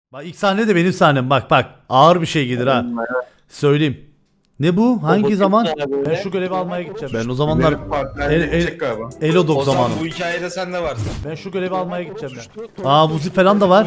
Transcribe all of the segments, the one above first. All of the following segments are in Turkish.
Bak ilk sahne de benim sahnem. Bak bak. Ağır bir şey gelir ha. Söyleyeyim. Ne bu? Hangi zaman? Ben şu görevi almaya gideceğim. Ben o zamanlar Elodog O zaman zamanı. bu hikayede sen de varsın. Ben şu görevi almaya gideceğim ben. Aa Vuzi falan da var.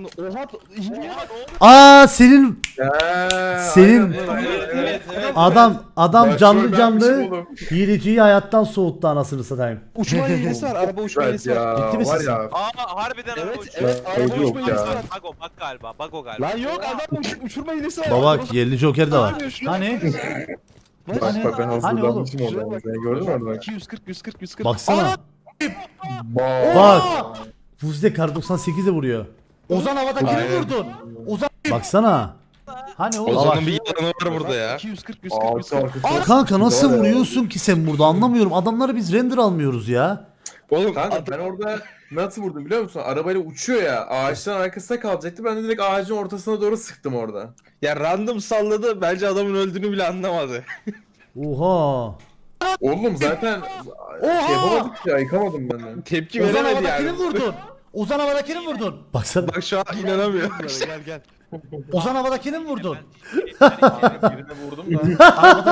Oha. Aa senin Senin- Evet. adam canlı canlı oğlum. hileciyi hayattan soğuttu anasını satayım. Uçma hilesi var. Araba uçma Evet hilesi var. ya. Ciddi misin Var sen? ya. Aa harbiden araba Evet uçuyor. evet araba Yok uçma ya. hilesi var. Bak galiba. Bak o galiba. Lan yok adam uçurma hilesi var. Baba yerli joker de var. Abi, şuna- Hani? Bak Hani- bak ben hani oğlum? hazırlanmışım orada. Sen gördün mü orada? 240 140 140. Baksana. Bak. Bak. Vuzi kar 98'e vuruyor. Ozan havadakini Aynen. vurdun. Ozan Baksana. Hani oğlum? Ozan'ın bir yalanı var burada ya. 240 140 Arka 140. arka. Kanka nasıl Var ya. vuruyorsun ki sen burada anlamıyorum. Adamları biz render almıyoruz ya. Oğlum Kanka ben orada nasıl vurdum biliyor musun? Arabayla uçuyor ya. Ağaçların arkasında kalacaktı. Ben de direkt ağacın ortasına doğru sıktım orada. ya random salladı. Bence adamın öldüğünü bile anlamadı. Oha. Oğlum zaten şey yapamadık ya. Yıkamadım ben de. Tepki Ozan veremedi havadakini yani. vurdun. Ozan havadakini vurdun. Baksana. Bak şu an inanamıyorum. Gel gel. Ozan havadakini mi vurdun? Birine vurdum da.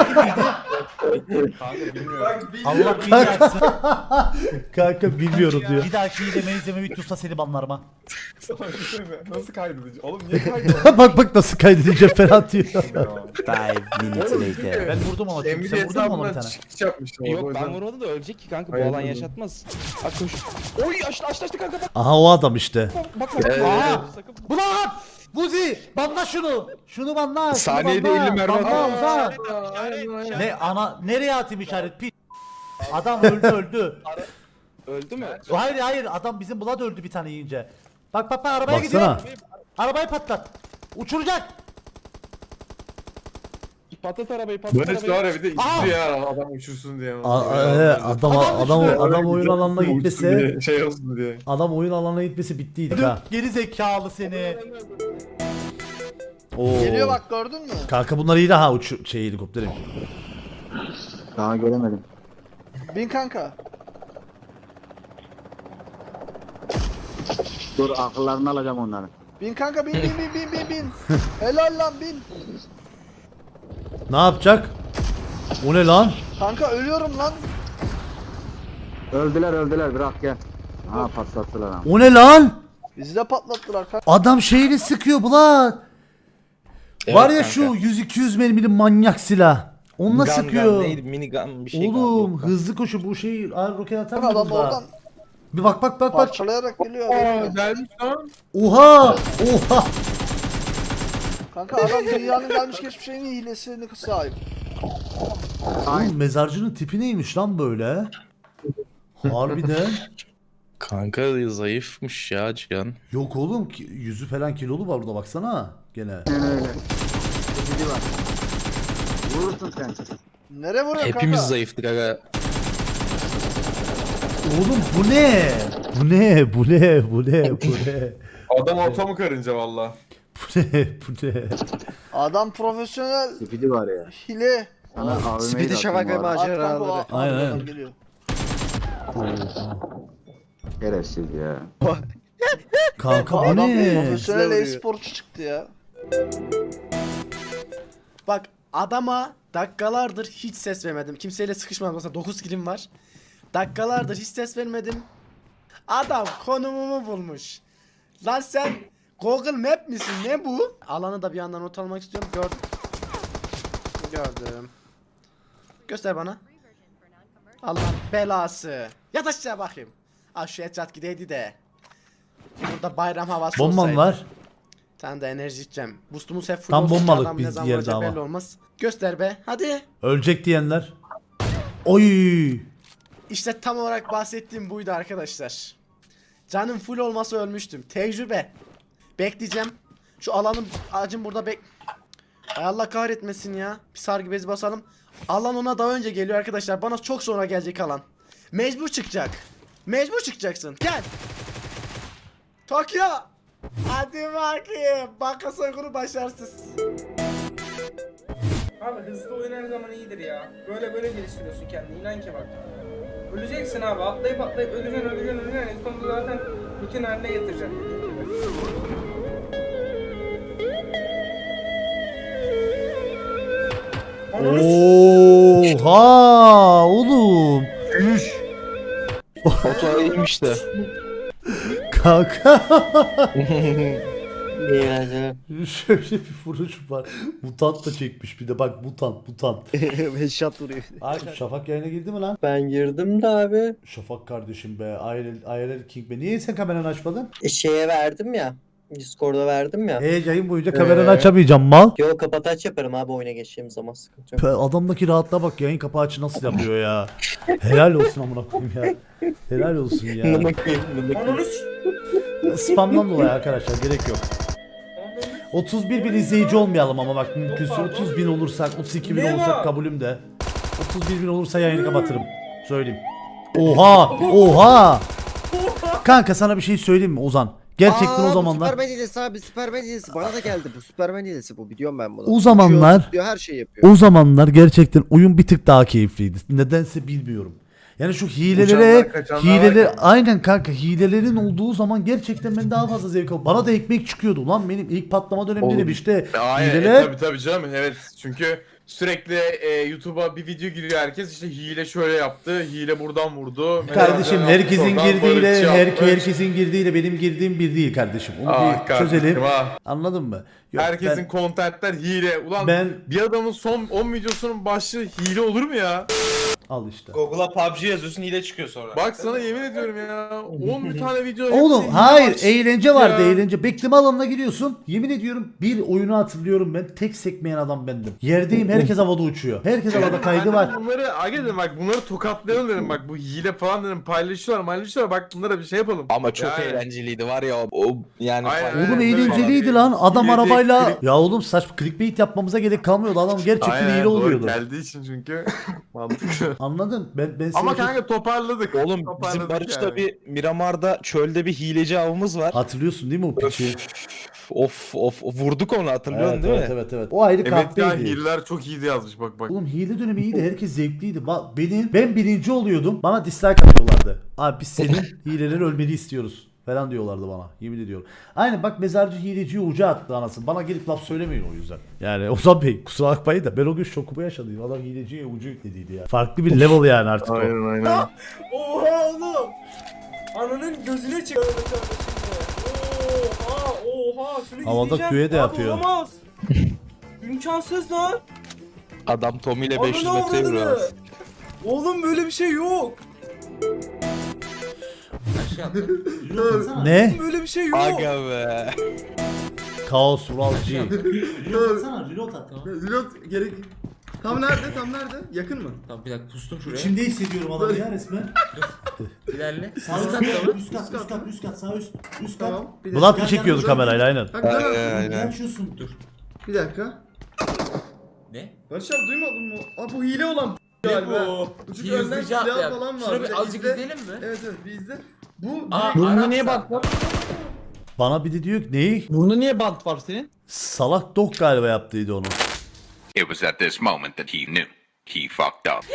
Kanka bilmiyorum. Allah bilmiyorum. Kanka bilmiyorum diyor. Bir dahaki izleme videosu seni banlarım ha. Sana bir şey mi? Nasıl kaydedici? Oğlum niye kaydedici? Bak nasıl kaydedeceğim falan diyor. 5 minutes later. Ben vurdum ama. Emre Sen vurdun mu ona bir hesabından tane? çıkış yapmıştım. orada, o Yok ben yüzden. vurmadım da ölecek ki kanka bu Hayır, alan vurdum. yaşatmaz. Bak koş. Oy açtı kanka bak Aha o adam işte. bak. Aa! Ulan! Buzi! Banla şunu! Şunu banla! şunu Saniyede banla. 50 mermi Banla atıyor. Ozan! Aynen, aynen. Ne ana nereye atayım işaret pi? Adam öldü. Öldü mü? Hayır adam bizim Blood öldü bir tane yiyince. Bak arabaya gidiyor. Baksana. Arabayı patlat. Uçuracak. Patlat arabayı patlat Böyle şu var arabayı. ya bir de Aa! istiyor ya adam uçursun diye. Adam oyun alanına gitmese Şey olsun diye. adam oyun alanına gitmesi bittiydik ha. Geri zekalı seni. Oo. Geliyor bak gördün mü? Kanka bunlar iyi de ha helikopterim. Daha göremedim. Bin kanka. Dur akıllarını alacağım onların. Bin kanka bin. Helal lan bin. Ne yapacak? O ne lan? Kanka ölüyorum lan. Öldüler bırak gel. Ha patlattılar ama. O ne lan? Bizi de patlattılar kanka. Adam şeyini sıkıyor bulan. Var ya kanka. şu 100-200 mermili manyak silah. Onunla Gun sıkıyor. neydi? Minigun bir şey Oğlum galiba. hızlı koşu bu şey roket atar mı Adam burada? oradan Bir bak. parçalayarak geliyor. Aa gelmiş lan. Oha! Kanka adam dünyanın gelmiş geçmiş en iyi hilesini sahip. Oğlum mezarcının tipi neymiş lan böyle? Harbiden. Kanka zayıfmış ya Cihan. Yok oğlum yüzü falan kilolu var burada baksana gene. Öyle. Biri var. Vurursun sen. Nereye vuruyor kanka? Hepimiz zayıftık aga. Oğlum bu ne? Bu ne? Adam ortamı karınca valla. Bu ne? Adam profesyonel Spidi var ya. hile. Sana AVM'yi Speedy Şafak ve At kanka o maceraları. Aynen. arkadan geliyor. Şerefsiz ya. Kanka bu Adam ne? profesyonel Bize e-sporcu çıktı ya. Bak adama dakikalardır hiç ses vermedim. Kimseyle sıkışmadım. Mesela 9 kilim var. Dakikalardır hiç ses vermedim. Adam konumumu bulmuş. Lan sen Google Map misin? Ne bu? Alanı da bir yandan not almak istiyorum. Gördüm. Göster bana. Allah belası. Yat aşağı bakayım. Ah şu etraf gideydi de. Burada bayram havası Bomban olsaydı. var. Sen de enerji içeceğim. Boostumuz hep full Tam olsun ki bombalık adam biz ne zaman yerde vuracak ama. belli olmaz. Göster be. Hadi. Ölecek diyenler. Oy! İşte tam olarak bahsettiğim buydu arkadaşlar. Canım full olmasa ölmüştüm. Tecrübe. Bekleyeceğim. Şu alanın ağacın burada Ay Allah kahretmesin ya. Bir sargı bezi basalım. Alan ona daha önce geliyor arkadaşlar. Bana çok sonra gelecek alan. Mecbur çıkacak. Mecbur çıkacaksın. Gel. Tokyo. Hadi bakayım. Banka soygunu başarısız. Abi hızlı oyun her zaman iyidir ya. Böyle geliştiriyorsun kendini. İnan ki bak. Öleceksin abi. Atlayıp öleceksin. En sonunda zaten rutin haline getireceksin. Oha oğlum. Oto iyiymiş de. Kanka. İyi eğlenceler. Şöyle bir vuruş var. Mutant da çekmiş bir de bak mutant. Headshot vuruyor. Arkadaşlar Şafak yayına girdi mi lan? Ben girdim de abi. Şafak kardeşim be. IRL King be. Niye sen kameranı açmadın? Şeye verdim ya. Discord'a verdim ya. Yayın boyunca kameranı açamayacağım mal. Yo kapataç yaparım abi oyuna geçeceğim zaman sıkıntı yok. Adamdaki rahatlığa bak, yayın kapağı açı nasıl yapıyor ya. Helal olsun amına koyayım ya. Helal olsun ya. Spamdan dolayı arkadaşlar gerek yok. 31 bin izleyici olmayalım ama bak mümkünse 30 bin olursak 32 bin olursak kabulüm de. 31 bin olursa yayını kapatırım. Söyleyeyim. Oha. Kanka sana bir şey söyleyeyim mi Ozan? Gerçekten o zamanlar. Superman hilesi abi, Superman hilesi. Bana da geldi bu. Superman hilesi bu. Biliyorum ben bunu. O zamanlar- Uçuyor, zıplıyor, her şeyi yapıyor. O zamanlar gerçekten oyun bir tık daha keyifliydi. Nedense bilmiyorum. Yani şu Uçanlar, kaçanlar hileler varken. aynen kanka hilelerin olduğu zaman gerçekten ben daha fazla zevk alıyorum. Bana da ekmek çıkıyordu lan benim ilk patlama döneminde Oğlum, işte Aynen hileler. tabii canım evet çünkü sürekli YouTube'a bir video giriyor herkes işte hile şöyle yaptı, hile buradan vurdu. Kardeşim Mesela herkesin oradan girdiğiyle barışçı yaptı. herkesin girdiğiyle benim girdiğim bir değil kardeşim. Onu Ah bir kardeşim, çözelim. ah. Anladın mı? Yok, Herkesin kontentler hile. Ulan ben bir adamın son 10 videosunun başlığı hile olur mu ya? al işte. Google'a PUBG yazıyorsun hile çıkıyor sonra. Bak sana yemin ediyorum ya 10 tane video Oğlum hepsi hayır hile eğlence vardı ya. eğlence. Bekleme alanına giriyorsun. Yemin ediyorum bir oyunu hatırlıyorum ben. Tek sekmeyen adam bendim. Yerdeyim herkes havada uçuyor. Herkes havada kaydı Ben var. de bunları aga dedim bak bunları tokatlayalım dedim bak bu hile falan dedim paylaşıyorlar bak bunlara bir şey yapalım. Ama çok Yani. eğlenceliydi var ya o yani. Aynen, Oğlum aynen. eğlenceliydi lan. Adam Hile değil, arabayla. klip. Ya oğlum saçma clickbait yapmamıza gerek kalmıyordu. Adam gerçekten Aynen, hile doğru, oluyordu. geldiği için çünkü mantıklı. Anladın? Ben Ama seni- kanka toparladık. Oğlum bizim Toparladık Barış'ta yani. bir Miramar'da çölde bir hileci avımız var. hatırlıyorsun değil mi o piçi? Of vurduk onu hatırlıyorsun Evet, değil evet, mi? evet evet. O ayrı Evet ya kahveydi. hileler çok iyiydi yazmış bak. Oğlum hile dönemi iyiydi. Herkes zevkliydi. Bak ben birinci oluyordum. Bana dislike atıyorlardı. Abi biz senin hileleri ölmeni istiyoruz falan diyorlardı bana. Yemin ediyorum. Aynen bak mezarcı hileciyi uca attı anasını. Bana gelip laf söylemeyin o yüzden. Yani Ozan Bey kusura bakmayın da ben o gün şokumu yaşadım. Adam hileciye ucu yüklediydi ya. Farklı bir level yani artık o. Aynen. Oha oğlum. Ananın gözüne çıktı. Oha şunu Havada izleyeceğim. küve de Abi yapıyor. Olamaz. İmkansız lan. Adam Tommy ile 500 Ananı metre avradını. yürüyor. Oğlum böyle bir şey yok. Ne? Böyle bir şey yok. Aga be. Kaos Vural G. Reload gerek. Tam nerede? Yakın mı? Tamam bir dakika pustum şuraya. İçimde hissediyorum adamı ya resmen. İlerle. Sağ üst kat sağ üst kat. Tamam. Bir Bulat mı çekiyordu kamerayla aynen. Kanka, Aynen. Açıyorsun. Dur. bir dakika. Ne? Barış abi duymadın mı? Aa bu hile olan Ne galiba. bu? Çünkü önden Hızlıca silah atlayalım. falan var. Şuna Bir de bir azıcık izle. izleyelim mi? Evet bir izle. Bu Aa, direkt- Arapsa. niye bak? Bana bir de diyor ki neyi? Burnunda niye bant var senin? Salak Dog galiba yaptıydı onu. It was at this moment that he knew he fucked up.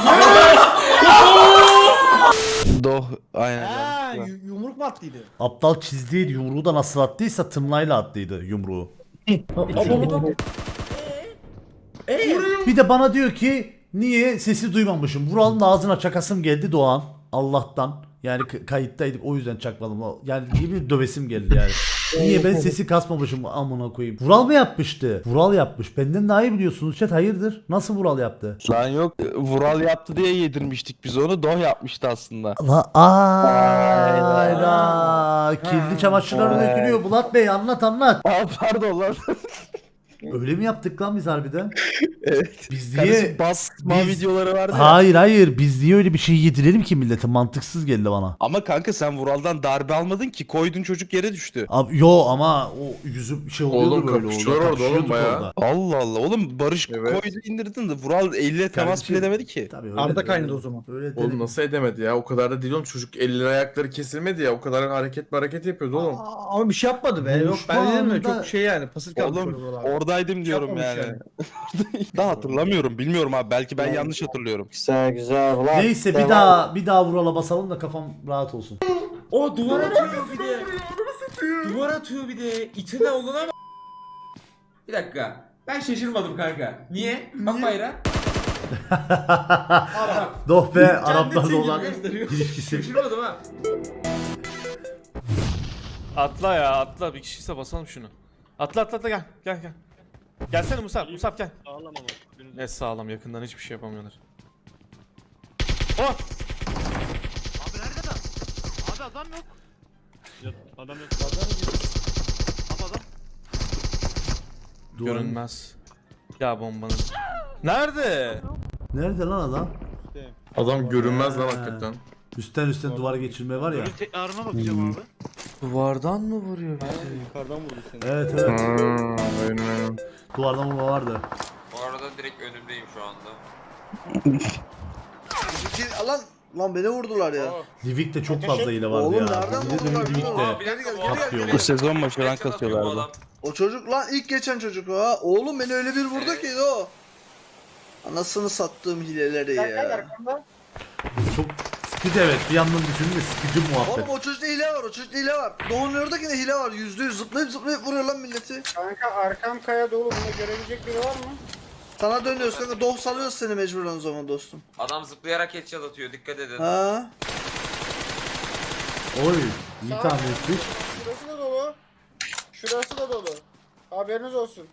Doh aynen. Yumruk mu attıydı? Aptal çizdiydi yumruğu da nasıl attıysa tımlayla attıydı yumruğu. Bir de bana diyor ki niye sesi duymamışım. Vural'ın ağzına çakasım geldi Doğan. Allah'tan. Yani kayıttaydık o yüzden çakmadım. Yani gibi dövesim geldi yani. Niye ben sesi kasmamışım amına koyayım. Vural mı yapmıştı? Vural yapmış. Benden daha iyi biliyorsunuz chat hayırdır? Nasıl Vural yaptı? Lan yok Vural yaptı diye yedirmiştik biz onu. Doh yapmıştı aslında. La ayda. Kirli çamaşırları dökülüyor. Bulat Bey anlat. Aa pardon lan. Öyle mi yaptık lan biz harbiden? Evet. Biz Kardeşim niye... basma biz- videoları vardı ya. Hayır biz niye öyle bir şey yedirelim ki millete? Mantıksız geldi bana. Ama kanka sen Vural'dan darbe almadın ki. Koydun çocuk yere düştü. Abi, yo ama o yüzüm şey oluyordu Oğlum, böyle kapışıyorlar orada oğlum Kapışıyorduk bayağı. orada. Allah Allah. Oğlum Barış Evet. koydu indirdin de Vural elle temas Kardeşim, bile edemedi ki. Tabii öyle Arda de- kaynadı o zaman. Öyle Oğlum dedim. nasıl edemedi ya? O kadar da değil oğlum. Çocuk elleri ayakları kesilmedi ya. O kadar hareket yapıyordu oğlum. Ama bir şey yapmadı be. Yok Buluşma ben dedim mi anında- çok şey yani pasif kalmış Oğlum orada abi. oradaydım diyorum Yapmamış yani. Daha hatırlamıyorum. Bilmiyorum abi. Belki ben yanlış hatırlıyorum. Güzel ulan. Neyse bir daha Vural'a basalım da kafam rahat olsun. O duvar atıyor bir de. Duvar atıyor bir de. İtine oluna bak. Bir dakika. Ben şaşırmadım kanka. Niye? Bak bayrağı. Doh be Araplarla Cennet olan sevgili gösteriyor. ilişkisi. Şaşırmadım ha. Atla ya atla bir kişiyse basalım şunu. Atla gel gel. Gelsene Musab gel. Sağlam ama. Ne sağlam yakından hiçbir şey yapamıyorlar. Oh! Görünmez. Ya bombanın. Nerede? Nerede lan adam? Adam görünmez lan hakikaten. Üstten duvara geçirme var ya. Duvardan mı vuruyor bizi? Evet. Aynen. Duvardan vurma vardı. Bu arada direkt önümdeyim şu anda. Lan beni vurdular ya. Livik'te çok fazla hile vardı Oğlum ya. nereden Bir de vurdular? Livik'te. Geri gel, Patlıyor. Bu sezon başı rank atıyorlardı. O çocuk lan ilk geçen çocuk o ha. Oğlum beni öyle bir vurdu ki o. Anasını sattığım hileleri ya. Çok sıkıcı evet. Bir yandan düşününce sıkıcı muhabbet. Oğlum o çocukta hile var, o çocukta hile var. Doğu'nun oradaki de hile var. %100 zıplayıp vuruyor lan milleti. Kanka arkam kaya dolu. Bunu görebilecek biri var mı? Sana dönüyoruz kanka. Doğu salıyoruz seni mecburen o zaman dostum. Adam zıplayarak headshot atıyor. Dikkat edin. Ha? Oy. İyi tahmin etmiş. Şurası da dolu. Şurası da dolu. Haberiniz olsun.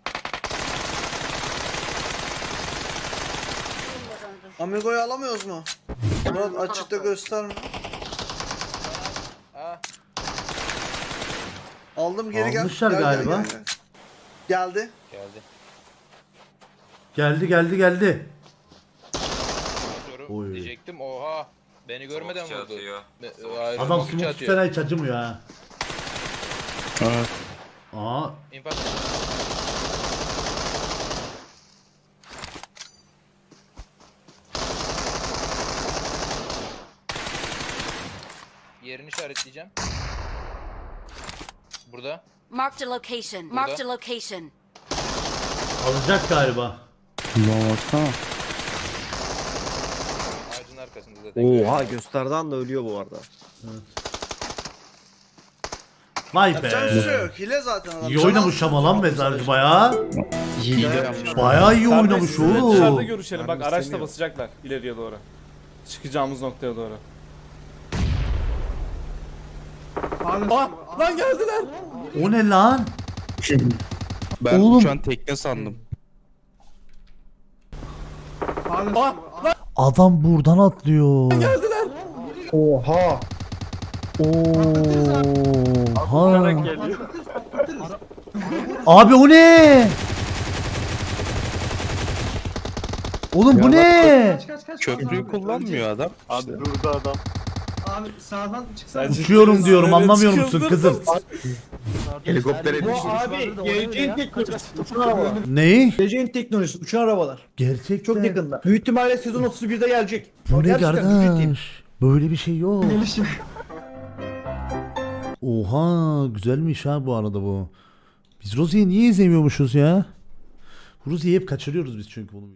Amigo'yu alamıyoruz mu? Murat açıkta gösterme. Aldım geri gel. Almışlar Gel, galiba. Geldi. Geldi. Oy. Diyecektim oha. Beni görmeden Çok vurdu. atıyor. Adam smoke tutan hiç acımıyor ha. Evet. Aa. Yerini işaretleyeceğim. Burada. Marked a location. Marked a location. Alacak galiba. Ağacın arkasında zaten. Oha gösterdi anda ölüyor bu arada. Vay Yapacak bir şey be. yok. Hile zaten adam. İyi oynamış ama lan mezarcı bayağı. Hile yapmış. Bayağı iyi oynamış Dışarıda oğlum. görüşelim bak araçla basacaklar ileriye doğru. Çıkacağımız noktaya doğru. Lan geldiler. O ne lan? Ben Oğlum. uçan tekne sandım. Adam buradan atlıyor. Oha. Oha. Abi o ne? Oğlum bu ne? Köprüyü kullanmıyor adam. Abi Uçuyorum diyorum anlamıyor musun kızım? Helikoptere düştü. Geleceğin teknolojisi. Neyi? Geleceğin teknolojisi. Uçan arabalar. Gerçekten. Çok yakında. Büyük ihtimalle sezon 31'de gelecek. Bu ne Gerçekten ciddiyim. kardeş? Böyle bir şey yok. Oha güzelmiş ha bu arada bu. Biz Rosie'yi niye izlemiyormuşuz ya? Rosie'yi hep kaçırıyoruz biz çünkü bunu.